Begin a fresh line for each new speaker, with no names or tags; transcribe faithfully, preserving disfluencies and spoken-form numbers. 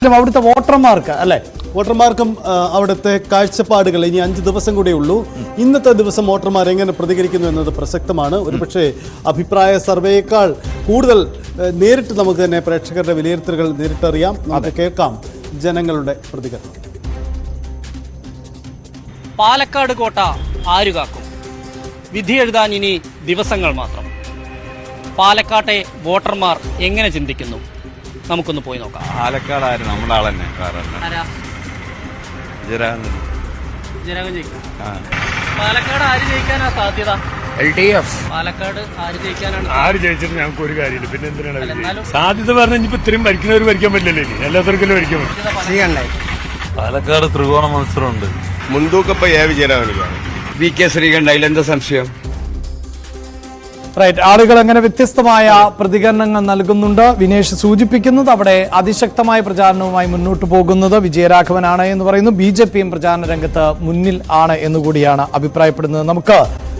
അവിടുത്തെ വോട്ടർമാർക്ക് അല്ലെ
വോട്ടർമാർക്കും അവിടുത്തെ കാഴ്ചപ്പാടുകൾ ഇനി അഞ്ച് ദിവസം കൂടെ ഉള്ളൂ. ഇന്നത്തെ ദിവസം വോട്ടർമാർ എങ്ങനെ പ്രതികരിക്കുന്നു എന്നത് പ്രസക്തമാണ്. ഒരുപക്ഷെ അഭിപ്രായ സർവേയേക്കാൾ കൂടുതൽ നേരിട്ട് നമുക്ക് തന്നെ പ്രേക്ഷകരുടെ വിലയിരുത്തലുകൾ നേരിട്ടറിയാം. നമുക്ക് കേൾക്കാം ജനങ്ങളുടെ പ്രതികരണം.
പാലക്കാട് കോട്ട ആരു കാക്കും? വിധി എഴുതാൻ ഇനി ദിവസങ്ങൾ മാത്രം. പാലക്കാട്ടെ വോട്ടർമാർ എങ്ങനെ ചിന്തിക്കുന്നു? നമുക്കൊന്ന് പോയി നോക്കാം.
പാലക്കാട് ആര്? നമ്മുടെ ആളെന്നെ.
പാലക്കാട് ആര് ജയിക്കാനാ സാധ്യത?
L D F.
പാലക്കാട് ആര് ജയിക്കാനാണ്?
ആര് ജയിച്ചിട്ട് ഞങ്ങൾക്ക് ഒരു കാര്യമില്ല. പിന്നെ എന്തിനാണ് സാധ്യത പറഞ്ഞ ഇനിയിപ്പോ ഇത്രയും ഭരിക്കുന്നവർ ഭരിക്കാൻ പറ്റില്ലല്ലോ. ഇനി എല്ലാത്തർക്കും ഭരിക്കാൻ പറ്റും.
പാലക്കാട് ത്രികോണ മത്സരമുണ്ട്.
മുൻതൂക്കപ്പ എ വിജയരാഘവനാണ്. V K Sreekantha. അതിലെന്താ സംശയം?
റൈറ്റ്. ആളുകൾ അങ്ങനെ വ്യത്യസ്തമായ പ്രതികരണങ്ങൾ നൽകുന്നുണ്ട്. വിനേഷ് സൂചിപ്പിക്കുന്നത് അവിടെ അതിശക്തമായ പ്രചാരണവുമായി മുന്നോട്ട് പോകുന്നത് വിജയരാഘവനാണ് എന്ന് പറയുന്നു. ബി ജെ പിയും പ്രചാരണ രംഗത്ത് മുന്നിൽ ആണ് എന്നുകൂടിയാണ് അഭിപ്രായപ്പെടുന്നത്. നമുക്ക്